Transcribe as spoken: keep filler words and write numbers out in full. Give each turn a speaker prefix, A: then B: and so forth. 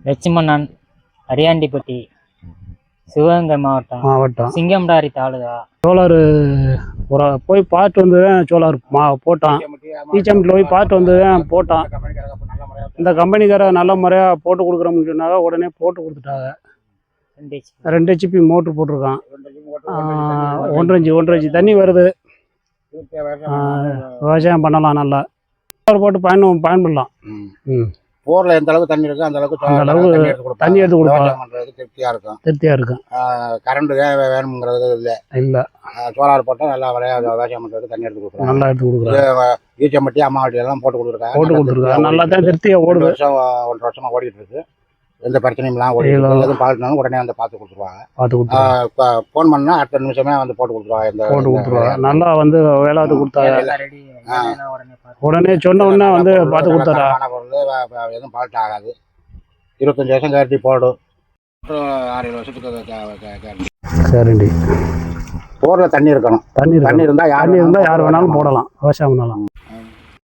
A: லட்சுமணன், அரியாண்டிப்பட்டி, சிவகங்கை மாவட்டம்
B: மாவட்டம்
A: சிங்கம்டாரி தாலுகா.
B: சோலார் ஒரு போய் பார்த்து வந்து தான் சோலார் மா போட்டான். ஈச்சம்பட்டில் போய் பார்த்து வந்து தான் போட்டான். இந்த கம்பெனிக்கார நல்ல முறையாக போட்டு கொடுக்குறோம்னு சொன்னாங்க. உடனே போட்டு கொடுத்துட்டாங்க. ரெண்டு ஹெச்பி மோட்ரு போட்டிருக்கான். ஒன்றரை இன்ச்சு ஒன்றரை இன்ச்சு தண்ணி வருது. விவசாயம் பண்ணலாம். நல்லா சோலார் போட்டு பயன் பயன்படலாம். ம்
C: போரில் எந்த அளவுக்கு தண்ணி இருக்கோ அந்த அளவுக்கு
B: அந்த அளவுக்கு தண்ணி எடுத்து கொடுப்பாங்க.
C: திருப்தியாக இருக்கும்.
B: திருப்தியாக இருக்கும்.
C: கரண்ட் வேணுங்கிறது இல்லை
B: இல்லை
C: சோலார் போட்டால் நல்லா விளையா விவசாயம் பண்ணுறதுக்கு தண்ணி எடுத்து கொடுக்குறோம்.
B: நல்லா எடுத்து கொடுக்குறாங்க.
C: ஈச்சம்பட்டி அம்மாவட்டி எல்லாம் போட்டு கொடுத்துருக்காங்க.
B: போட்டு கொடுத்துருக்காங்க. நல்லா தான் திருப்தியாக ஓடுது.
C: வருஷம் ஒன்றரை வருஷமாக ஓடிட்டு இருக்கு. எந்த பிரச்சனையும்லாம் ஓடி எதுவும் பார்த்துனாலும் உடனே வந்து பார்த்து கொடுத்துருவாங்க.
B: பார்த்து கொடுத்துருவாங்க.
C: இப்போ ஃபோன் பண்ணால் அடுத்த நிமிஷமே வந்து போட்டு கொடுத்துருவாங்க. இந்த
B: போட்டு கொடுத்துருவாங்க. நல்லா வந்து வேளாட்டு கொடுத்தாங்க. உடனே சொன்ன உடனே வந்து பார்த்து கொடுத்தாரா.
C: பொருள் எதுவும் பால்ட் ஆகாது. இருபத்தஞ்சி வருஷம் கேரண்டி போடும். ஆறு ஏழு வருஷத்துக்கு
B: சரிண்டி.
C: போரில் தண்ணி இருக்கணும்.
B: தண்ணி
C: தண்ணி இருந்தால்
B: தண்ணி இருந்தால் யார் வேணாலும் போடலாம். விவசாயம் பண்ணலாம்.